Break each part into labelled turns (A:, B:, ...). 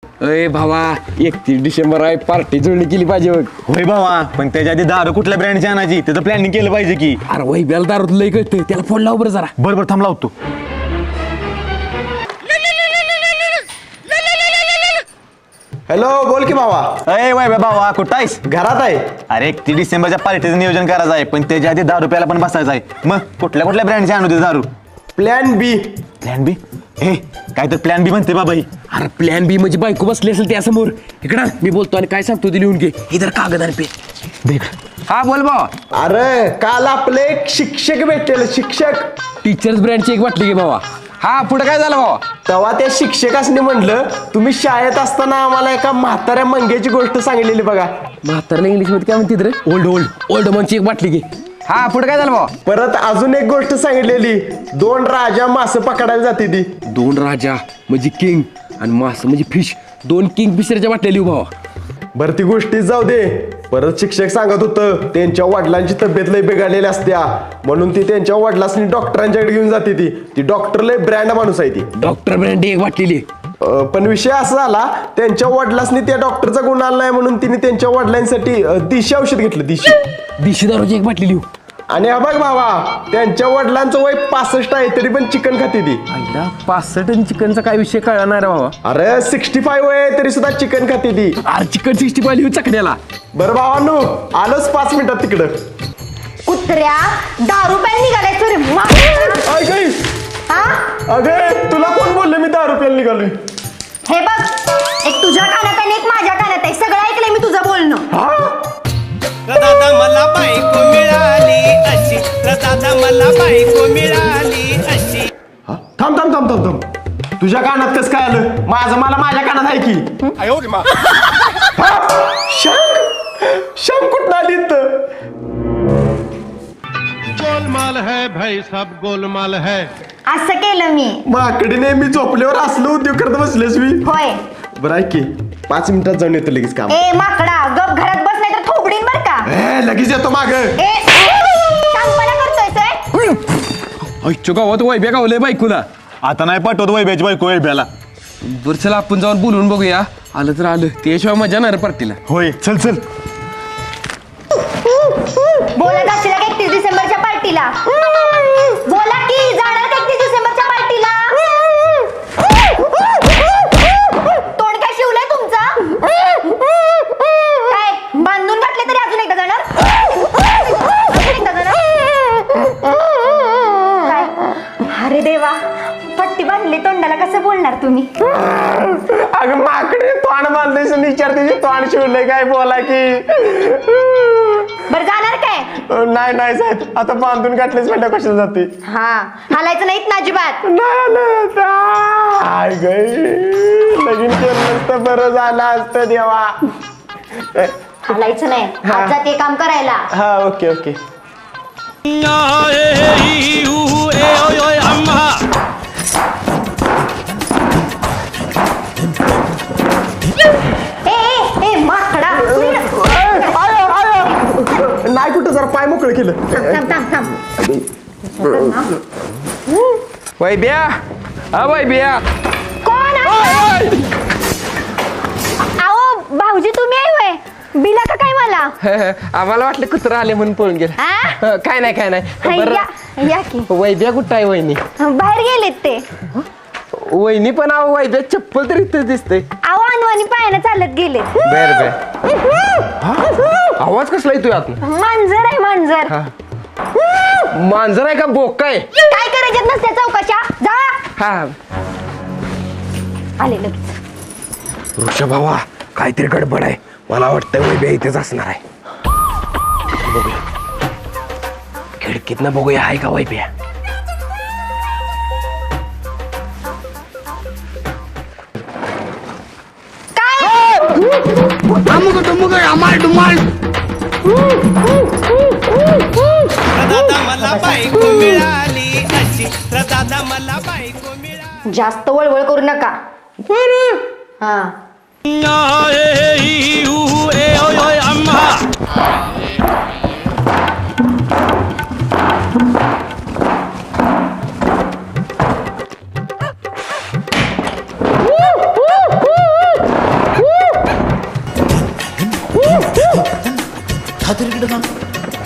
A: अरे भावा 31 डिसेंबर आहे, पार्टी जुळणी केली पाहिजे बघ.
B: होय भावा, पण त्याच्या आधी दारू कुठल्या ब्रँडची आणायची त्याचं प्लॅनिंग केलं पाहिजे की.
A: अरे वही बेल दारू लय कळतं, त्याला फोन लाव बरं जरा.
B: बरोबर थांब लावतो.
C: हॅलो, बोल की भावा.
B: अय वय भावा कुठं आहेस?
C: घरात आहे.
B: अरे 31 डिसेंबरच्या पार्टीचं नियोजन करायचं आहे, पण त्याच्या आधी दारू प्यायला पण बसायचं आहे. मग कुठल्या ब्रँडची आणू दे दारू?
C: Plan B.
B: Plan B? हे काय तर प्लॅन बी म्हणते बाबा ही.
A: अरे प्लॅन बी म्हणजे बायको बसली असेल त्यासमोर. इकडं मी बोलतो आणि काय सांगतो ते लिहून घे. इधर कागद आणि पे. हा बोल भावा.
C: अरे काल आपले एक शिक्षक भेटलेले, शिक्षक.
A: टीचर्स ब्रँडची एक वाटली घे भावा. हा पुढे काय झालं भावा?
C: तेव्हा त्या शिक्षकासनी म्हणलं, तुम्ही शाळेत असताना आम्हाला एका म्हाताऱ्या मंग्याची गोष्ट सांगितलेली बघा.
A: म्हातारला इंग्लिश मध्ये काय म्हणते रे? ओल्ड मनची एक वाटली घे. हा पुढे काय झालं भावा?
C: परत अजून एक गोष्ट सांगितलेली, 2 राजा मासे पकडायला जाते ती.
A: 2 राजा म्हणजे किंग आणि मास म्हणजे फिश. 2 किंग फिशरच्या वाटल्या लिहू भावा.
C: बरं ती गोष्टीच जाऊ दे. परत शिक्षक सांगत होतं त्यांच्या वडिलांची तब्येत लय बिघडलेली असत्या, म्हणून ती त्यांच्या वडिलांनी डॉक्टरांच्याकडे घेऊन जाते. ती डॉक्टर लय ब्रँड माणूस आहे ती.
A: डॉक्टर ब्रँड एक वाटलेली.
C: पण विषय असा झाला, त्यांच्या वडिलांनी त्या डॉक्टरचा गुण आला नाही म्हणून तिने त्यांच्या वडिलांसाठी देशी औषध घेतलं.
A: देशी दारूची एक वाटली लिहू.
C: आणि हा बघ भावा, त्यांच्या वडिलांचं वय 65 आहे तरी पण चिकन खाते ती.
A: 65 चिकनचा काय विषय कळणार रे भावा?
C: अरे 65 वय आहे तरी सुद्धा चिकन खाते ती.
A: अरे चिकन 65 लिहू चकड्याला.
C: बरं भावानू, आलोच 5 मिनिटात तिकडं.
D: कुत्र्या दारू प्यायला निघालाय तू रे.
C: अगे तुला कोण बोललं मी दारू प्यायला निघालोय?
D: हे बघ, एक तुझ्या कानात आणि एक माझ्या कानात आहे. सगळं ऐकलंय मी तुझं बोलणं.
E: दादा मला बायको मिळाली अशी, दादा मला बायको मिळाली अशी.
C: थांब थांब थांब थांब थांब. तुझ्या कानात कसं काय आलं? मला माझ्या कानात आहे की. शंख कुठं आली इथं?
F: गोलमाल है भाई, सब गोलमाल है.
D: असं केलं मी.
C: माकडीने मी झोपल्यावर असलो उद्योग करत बसलेस मी.
D: होय.
C: बरं ऐक की, 5 मिनिटात जाऊन येतो लगेच काम.
D: ए माकडा, गप घरात बस नाही तर थोबडीन बर का.
C: लगेच येतो माग.
D: ए शांतपणा करतोय.
A: ऐच्छो गावात वैभ्या गावलंय बायकोला.
B: आता नाही पाठवत वैभ्याची बायको वैभ्याला.
A: बरं चला आपण जाऊन बोलून बघूया. आलं तर आलं, त्याशिवाय मजा नाही रे पार्टीला.
B: होय चल चल.
D: बोला जाशील का 31 डिसेंबरच्या पार्टीला? बोला की जाणार का 31 डिसेंबरच्या पार्टीला? तोंड काय शिवलंय तुमचं? काय बांधून घातले तरी अजून एकदा जाणार? काय? अरे देवा, पट्टी बांधली तोंडाला, कसं बोलणार तुम्ही?
C: अगं माकडे तोंड बांधलेस आणि विचारते तोंड शिवलंय काय बोला की.
D: बरं जाणार काय?
C: नाही साहेब, आता बांधून गाठलेच म्हणलं कशाला जाते.
D: हा हालायचं नाहीत ना अजिबात.
C: लगीन केलं नसतं बरं झालं असतं देवा.
D: हालायचं नाही, आज जाते काम करायला.
C: हा ओके ओके.
D: ए माकडा,
C: नाही कुठं जरा पाय मोकळं केलं.
A: वैभ्या, हा वैभ्या.
D: कोण आहे? आओ भाऊजी तुम्ही आहे होय? बिला का काय मला?
A: आम्हाला वाटलं कुत्रा आले म्हणून पळून गेला.
D: हा?
A: काय नाही.
D: या की.
A: वैभ्या कुठं आहे वहिनी?
D: बाहेर गेलेत ते.
A: वहिनी पण आहो, वैभ्या चप्पल तर इथं दिसते.
D: आओ अनवानी पायानं चालत गेले.
A: बर. आवाज कसला येतोय आत?
D: मांजर आहे मांजर.
A: मांजर आहे का बोका आहे?
D: काय करायच्यात नसत्या चौकशा, जा.
A: हा
D: आले लगेच.
A: ऋषभ भावा, काहीतरी गडबड आहे. मला वाटतं वैभ्या इथेच असणार आहे. बघूया खिडकीतनं, बघूया आहे का वैभ्या.
E: दादा मला बायको मिळाली अशी, दादा मला बायको मिळाली.
D: जास्त वळवळ करू नका. हा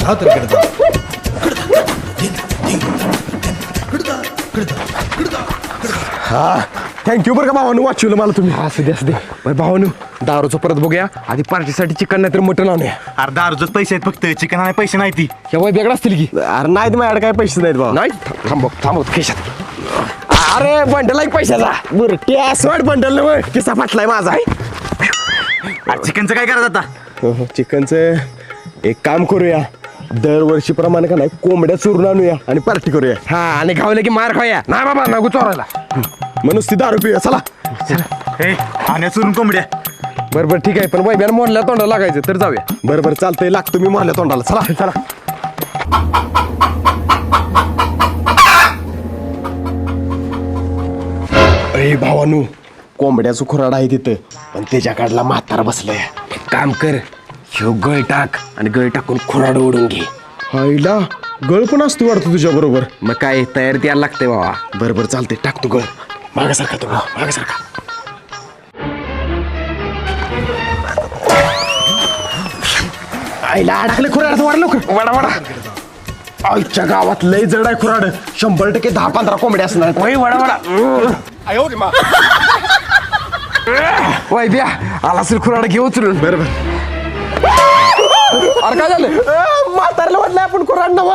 C: हा थँक्यू बरं का भावानू वाचवलं मला तुम्ही.
A: असू दे बरं भावानू दारूचं परत बघूया आधी पार्टीसाठी चिकन नाही तर मटण आणूया.
B: अरे दारूच पैसे आहेत फक्त चिकन आणि पैसे नाही ती.
A: हे वय वेगळं असतील की
C: अरे नाहीत माझ्याकडे काय पैसे नाहीत भाऊ.
A: नाही थांबव खिशात. अरे बंडल आहे पैशाचा.
C: बरं टॅस वाट बंडल ना मग किस्सा फाटलाय माझा आहे.
B: चिकनचं काय करायचं आता?
C: चिकनचं एक काम करूया दरवर्षीप्रमाणे का नाही कोंबड्या चुरून आणूया आणि पार्टी करूया.
A: हा आणि खावलं की मार खाऊया. नाही बाबा नको चोरायला.
C: मग नुसती दारू पिऊया चला.
B: हे आणि चुरून कोंबड्या.
A: बरं ठीक आहे पण वैब्याला मोडल्या तोंडाला लागायचं तर जाऊया.
C: बरं चालतंय लागतो मी मारल्या तोंडाला चला चला. अरे भावानू कोंबड्याचं खुराड आहे तिथं पण त्याच्या काढला म्हातारा बसलाय.
A: काम कर ह्यो गळ टाक आणि गळ टाकून खुराड ओढून घे.
C: आईला गळ पण असतो वाटतो तुझ्या बरोबर.
A: मग काय तयारी द्यायला लागते बाबा.
C: बरं चालतंय टाकतो गळ. मागासारखा तो मागासारखा. आईला अडकले खुराड वाढ लवकर वाडा. आईच्या गावात लय जड आहे खुराड. 100% 10-15 कोंबड्या असणार.
A: वय वडा वैब्या आला असेल खुराड घेऊ उचलून.
C: बरोबर
A: अरे काय झालं.
C: म्हातारला वाटलं आपण खुराड नव.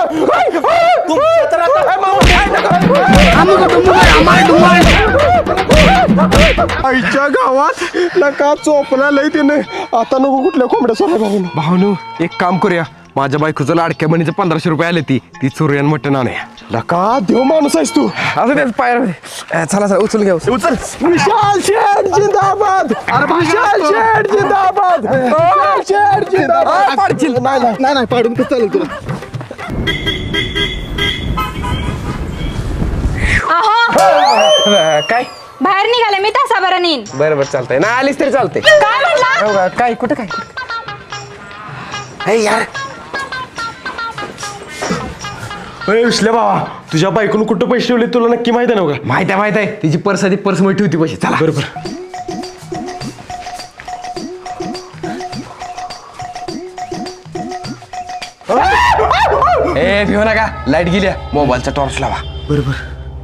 C: आईच्या गावात नका चोपला लय तिने. आता नको कुठल्या कोंबड्या सोडा भाऊ.
A: भावनू एक काम करूया माझ्या बायकोचं लाडक्या बहिणीचे 1500 रुपये आले ती चोरियन मटण आणूया.
C: नका देव माणूस आहेस तू.
A: असं त्याच पायर चला उचल घ्या उचल.
C: विशाल शेठ जिंदाबाद. विशाल शेठ जिंदाबाद. विशाल शेठ जिंदाबाद.
A: पाडशील.
C: नाही पाडून कसं चालेल तुला.
A: काय
D: बाहेर निघाले मी तासाभरात येईन.
A: बरं चालतंय ना आलीस तरी चालते.
D: काय म्हणला.
A: काय कुठं काय यार.
C: अरे विसल्या बाबा तुझ्या बायकोनं कुठं पैसे ठेवले तुला नक्की माहिती आहे ना.
A: माहिती आहे तिची पर्स आधी पर्स मध्ये ठेवती पैसे. चला
C: बरोबर.
A: ए भिऊ नका लाईट गेल्या मोबाईलचा टॉर्च लावा.
C: बरोबर.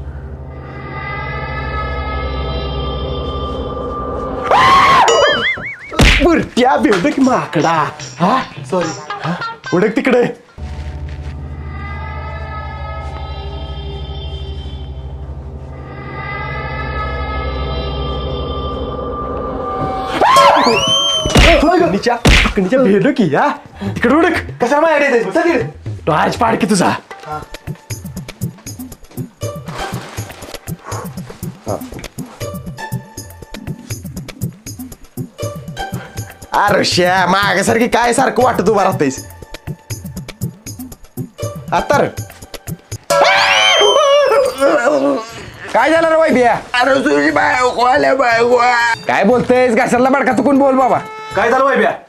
C: बुरट्या बेदक माकडा. हा सॉरी उडक तिकडे. भेटलो की या तिकडे उडक.
B: कशाला माझ्याकडे
C: टॉर्च पाड की तुझा. अरे श्या मागासारखी काय सारखं वाटत उभा राहतेस आता रे.
A: काय झालं रे वैभ्या. अरे तुझी बायको आल्या बायको. काय बोलतेस घासाला बडका चुकून बोल बाबा.
B: काय झालं बाई ब्या.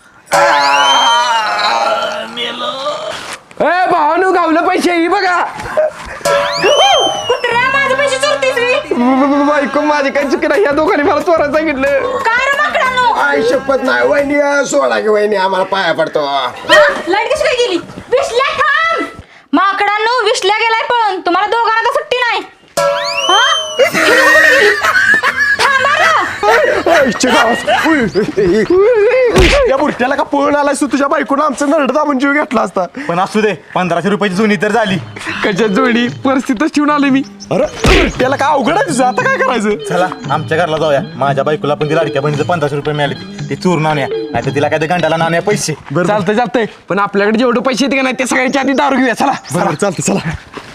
A: ए भावानू गावलं पैसे ही बघा.
D: कुत्र्या माझे पैसे चोरतीस मी.
A: बायको माझी काय चुकी नाही. या दोघांनी मला चोरायला सांगितलं.
D: काय रे माकडांनो.
C: आई शपथ नाही वहिनी सोडा की वहिनी आम्हाला पाया पडतो.
D: लाईट कशी काय गेली. विसल्या थांब. माकडांनो विसल्या गेलाय पण तुम्हाला दोघांना तर सुट्टी नाही. हा? ही लोकं कुठे गेली? थांबा ना.
C: आईच्या गावात या बुरट्याला का पळून आलायस तू. तुझ्या बायकोनं आमचं नरड दाबून जीव घेतला असता.
B: पण असू दे 1500 रुपयाची जुनी तर झाली.
A: कशा जोडी परिस्थितीच ठेवून आले मी.
C: अरे बुरट्याला काय अवघड आहे तुझं. आता काय करायचं.
B: चला आमच्या घरला जाऊया. माझ्या बायकोला पण ती लाडक्या बहिणीचं 1500 रुपये मिळाले. ते चोरून आणूया नाही तर तिला काय गंडाला नाण्या पैसे.
A: चालतंय पण आपल्याकडे जेवढे पैसे येते का नाही ते सगळ्यांच्या आधी दारू घेऊया. चला
C: बरोबर चालतं चला.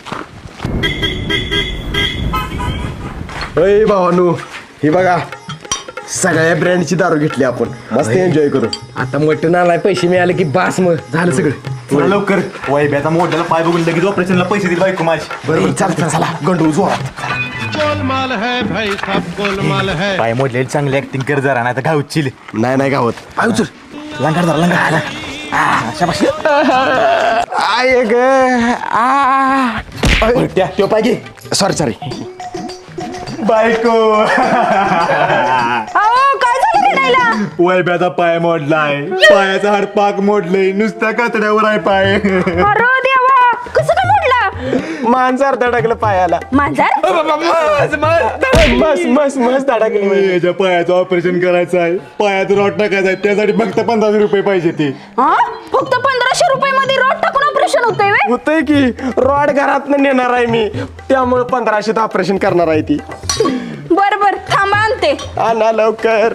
C: अय भावानू ही बघा सगळ्या ब्रँडची दारू घेतली आपण मस्त एन्जॉय करू.
A: आता मटण आलाय पैसे मिळाले की बास मग झालं सगळं.
B: थोडं लवकर वैभ्याचा मोठ्याला पाय बघून लगेच ऑपरेशनला पैसे दिले बायको माझी.
C: बरोबर चालतं चला गंडू जोरात.
F: गोलमाल है भाई सब गोलमाल है.
B: पाय मोडलेली चांगली ऍक्टिंग कर जरा नाही तर घाऊची.
C: नाही गावत.
A: पाय उचल.
B: लंगाड धरा लंगाड.
C: आय ग बुरट्या त्यो पाय घे. सॉरी
B: बायको
D: अहो काय झालं रे यायला?
B: वैभ्याचा पाय मोडलाय, पायाचा हाड पाक मोडलंय, नुसत्या कातड्यावर आहे पाय.
D: अरे देवा, कसं काय मोडला?
C: मांजर धडकलं पायाला.
D: मांजर?
C: मस्त धडकली.
B: याच्या पायाचं ऑपरेशन करायचं आहे, पायात रॉड टाकायचं आहे, त्यासाठी फक्त 1500 रुपये पाहिजे ते.
D: हा? फक्त 1500 रुपये मध्ये रोड टाकून ऑपरेशन होतंय व्हय?
C: होतंय की रॉड घरात नेणार आहे मी, त्यामुळे 1500 ऑपरेशन करणार आहे ती.
D: बर बर, थांबा आणते.
C: आणा लवकर.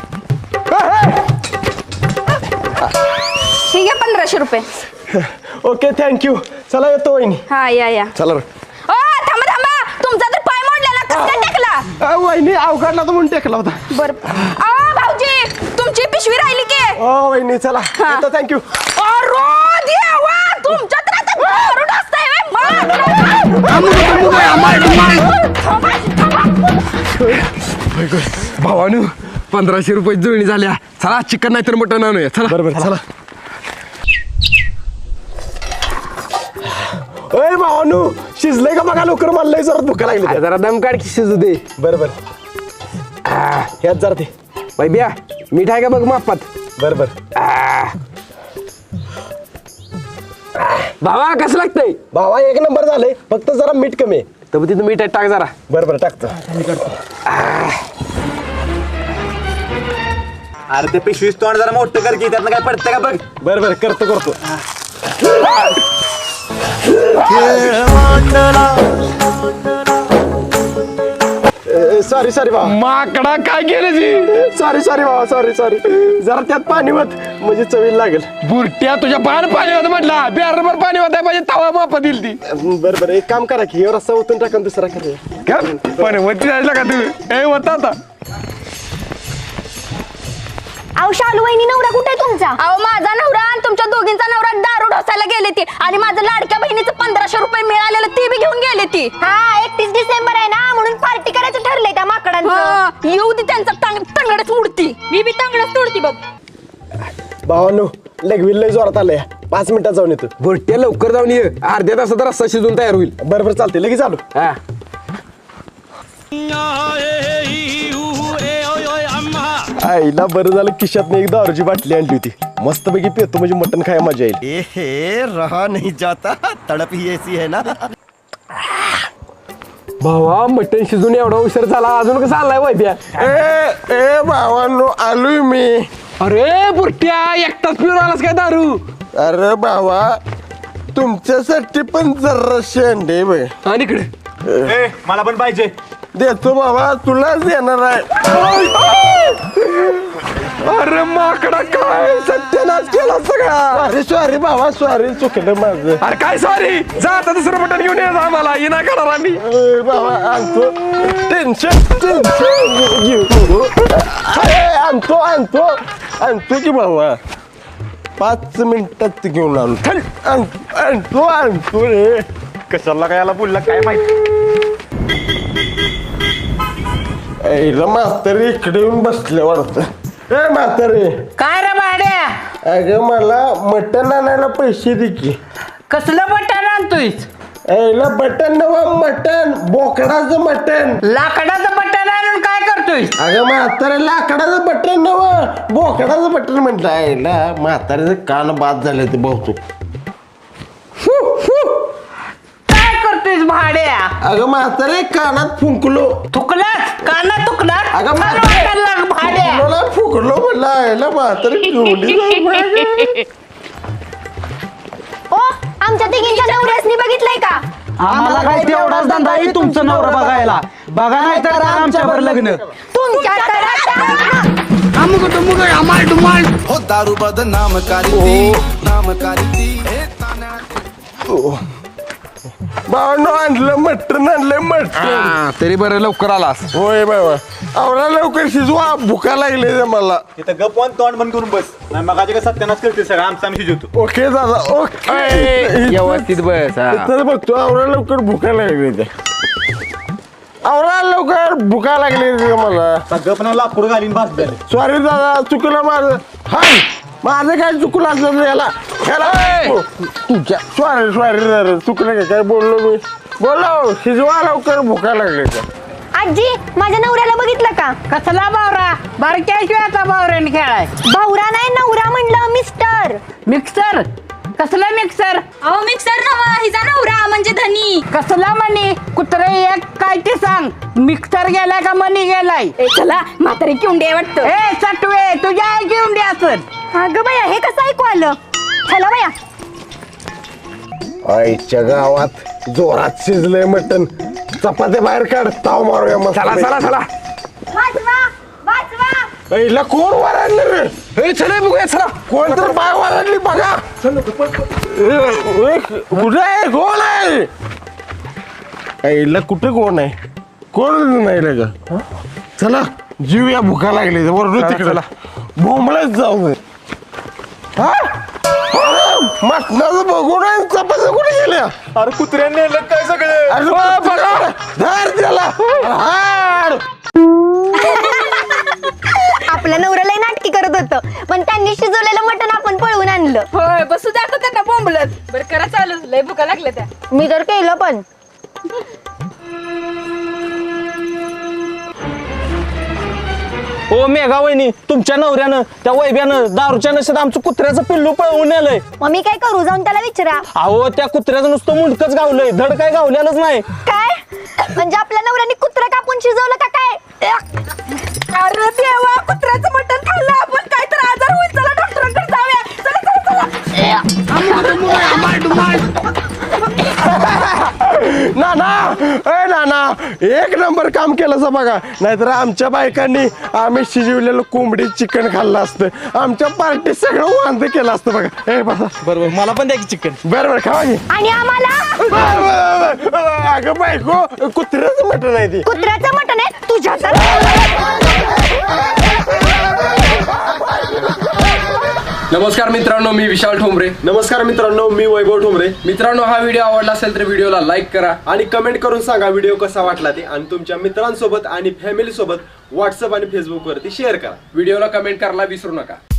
D: ठीक आहे, 1500 रुपये.
C: Okay thank you. चला येतो वहिनी.
D: हा या.
C: चला
D: ओ थांबा थांबा, तुमचा तर पाय मोडलेला, कसं काय टाकला?
C: वहिनी अवघडला तर म्हणून टेकला होता.
D: बर. भाऊजी, तुमची पिशवी राहिली की?
C: ओ वहिनी चला येतो. थँक्यू.
D: अरे देवा, तुमच्या तर आता दारू असतंय
A: भावानू 1500 रुपये जुळणी झाल्या. चला चिकन नाही तर मटन आणूया. चला
C: बरोबर चला. ओय भावानू, शिजलंय का बघा लवकर, मला जरा भुका लागली.
A: जरा दम काढ की शिजू दे.
C: बरोबर. ह्यात जरा ते
A: बाई बिया मीठ आहे का बघ मापात.
C: बरोबर.
A: भावा कसं लागतंय?
C: भावा 1 नंबर झालंय, फक्त जरा मीठ कमी आहे.
A: तर तिथं मीठ आहे, टाक जरा.
C: बरोबर टाकतो.
B: अरे ते पिशवीच तोंड जरा मोठं कर की, त्यातनं काय पडतं का बघ.
C: बरोबर करतो. सॉरी भावा.
A: माकडा काय केलं जी?
C: सॉरी भावा. सॉरी जरा त्यात पाणी होत म्हणजे चवीला लागेल.
A: बुरट्या तुझ्या पान पाणी होतं म्हटलं, बिहारभर पाणी होत पाहिजे, तवा मापा दिली ती.
C: बरोबर एक काम करा की रस्ता ओतून टाका, दुसरा करा.
A: पण वरती जायला का तू? ए होता आता.
D: अहो शालू वहिनी, नवरा कुठे आहे तुमचा? अहो माझा नवरा आणि तुमच्या दोघींचा नवरा दारू ढोसायला गेले ती, आणि माझं लाडक्या बहिणीचं 1500 रुपये मिळालेलं ते बी घेऊन गेले ती. हा 31 डिसेंबर आहे ना, म्हणून पार्टी करायचं ठरलंय त्या माकडांचं. येऊ दे त्यांचा तंगडच उडती, मी बी तंगडच तोडती बघ.
C: भावानो लगविल लय जोरात आलंय, 5 मिनिटात जाऊन येतो.
A: बुरट्या लवकर जाऊन ये, अर्ध्या तासात रस्ता शिजून तयार होईल.
C: बरोबर चालते, लगेच आलो.
A: हा
C: आईला बरं झालं खिशात एक दारूची बाटली आणली होती, मस्तपैकी पेतो म्हणजे मटण खायला मजा येईल.
G: ए रहा नहीं जाता, तड़प ही ऐसी है ना.
A: भावा मटण शिजून एवढा उशीर झाला, अजून कसं आलाय वैद्या?
C: ए भावानो आलोय मी.
A: अरे बुरट्या एकटाच पिऊन आलास काय दारू?
C: अरे बाबा तुमच्यासाठी पण जरा शेंडे बे.
A: आणि इकडे
B: मला पण पाहिजे.
C: देतो बाबा, तुलाच देणार आहे.
A: अरे माकडा काय सत्यानाश केला सगळा.
C: सॉरी बाबा, सॉरी चुकलं माझं.
A: अरे काय सॉरी, जा आता दुसरं मटण घेऊन ये आम्हाला, ये नाही करणार आम्ही.
C: बाबा आणतो, टेन्शन घेऊ नको. आणतो की बाबा, 5 मिनिटात घेऊन आणतो रे.
B: कशाला काय याला बोलला काय माहिती.
C: म्हातारी इकडे येऊन बसले वाटतं. ए म्हातारी,
H: काय रे भाड्या,
C: अगं मला मटण आणायला पैसे दे की.
H: कसलं बटन आणतोय?
C: यायला बटन नवा, मटण बोकडाचं मटण.
H: लाकडाचं बटन आणून काय करतोय?
C: अगं म्हातारे लाकडाचं बटन नवा, बोकडाचं बटन म्हटलं. यायला म्हाताऱ्याचं कान बाद झाले ते बहुतेक.
H: काय करतोय भाड्या?
C: अगं म्हातारे कानात फुंकलो.
H: थुकलास काना तुकलास?
C: अगं
H: मला वाटायला लाग भाड्या.
C: मला फुकलो म्हटलं. यायला म्हातारे केवढी.
D: ओ आमच्या तिघींच्या नवऱ्यासनी बघितलंय का?
G: आम्हाला काय तेवढाच धंदा आहे तुमचं नवरा बघायला. बघा नाही तर आमच्यावर लग्न.
I: हो दारू बदनाम करी नाम करी.
C: बाबांनो आणलं मटण, आणलं मटण.
A: तरी बरं लवकर आलास.
C: होय बाबा, आवडा लवकर शिजवा, भुका लागले मला.
B: इथं गप वन तोंड बंद करून बस. नाही मग काय सत्यानाश करते सगळं, आमचा आम्ही शिजवतो.
C: ओके दादा, ओके.
A: व्यवस्थित बस. हा.
C: तर बघतो, आवडा लवकर भुका लागली ते. आवडा लवकर भुका लागली रे मला.
B: गप ना लाकूड घालीन भास झाले.
C: सॉरी दादा, चुकलं माझं. हाय माझं काय चुकलं असलं याला तुझ्या. सॉरी दादा, चुकलं काय बोललो मी. बोलो शिजवा लवकर, भुका लागली.
D: आजी माझ्या नवऱ्याला बघितलं का?
H: कसला बावरा बारक्याशिवाय आता बावऱ्याने खेळाय.
D: भावरा नाही नवरा म्हणलं मिस्टर.
H: मिक्सर कसला मिक्सर?
D: अहो मिक्सर नवा हिचा नवरा म्हणजे धनी.
H: कसला मनी कुत्रे एक काय ते सांग. मिक्सर गेलाय का मनी गेलाय?
D: चला म्हातारी किंडे वाटतं.
H: ए सटवे तुझ्या आई घेऊन असत.
D: अगं बाया हे कसं ऐकू आलं? चला बाया.
C: आईच्या गावात जोरात शिजलंय मटण. चपात्या बाहेर काढ ताव मारूया मग. चला चला चला.
D: वाचवा वाचवा.
C: पहिला कोण वराडलं रे?
A: हे चला बघूया चला.
C: कोण तर बाय वराडली बघा. कुठे आहे कोण आहे? आईला कुठे कोण आहे? कोण नाही रे का? चला जीव या भुका लागली वरडू तिकडे बोंबळच जाऊ दे. मटणाचं बघून चपात्या कुठे गेल्या?
B: अरे कुत्र्याने नेलं काय सगळं?
C: अरे बघा धर त्याला हाड.
D: आपल्या नवऱ्याला नाटकी करत होतं पण त्यांनी शिजवलेलं मटण आपण पळवून आणलं.
J: होय बसू द्या त्यांना बोंबलत. बरं करा चालू लय भुका लागल्या त्या.
D: मी तर केलं पण.
G: ओ मेघा वहिनी तुमच्या नवऱ्यानं त्या वैब्यानं दारूच्या नशेत आमचं कुत्र्याचं पिल्लू पळवून नेलंय.
D: मग मी काय करू? जाऊन त्याला विचारा.
G: अहो त्या कुत्र्याचं नुसतं मुंडकच गावलंय धड काय गावलेलंच नाही.
D: काय म्हणजे आपल्या नवऱ्याने कुत्रा कापून शिजवलं का काय?
J: अरे देवा कुत्र्याचं मटण खाल्लं आपण काय तर आजार होईल. चला डॉक्टरांकडे जाऊया. चला चला
C: नाना ए नाना एक नंबर काम केलं बघा. नाहीतर आमच्या बायकांनी आम्ही शिजवलेलं कोंबडी चिकन खाल्लं असतं. आमच्या पार्टी सगळं वांद केलं असतं बघा. ए बसा.
G: बरोबर मला पण द्या की चिकन.
C: बरोबर खावा की.
D: आणि आम्हाला
C: अगं बायको कुत्र्याचं मटण आहे ती.
D: कुत्र्याचं मटण आहे तुझ्या.
A: नमस्कार मित्रांनो, मी विशाल ठोंबरे.
C: नमस्कार मित्रांनो, मी वैभव ठोंबरे.
A: मित्रांनो, हा व्हिडिओ आवडला असेल तर व्हिडिओला लाईक करा
C: आणि कमेंट करून सांगा व्हिडिओ कसा वाटला ते. आणि तुमच्या मित्रांसोबत आणि फॅमिली सोबत व्हॉट्सअप आणि फेसबुक वरती शेअर करा.
A: व्हिडिओला कमेंट करायला विसरू नका.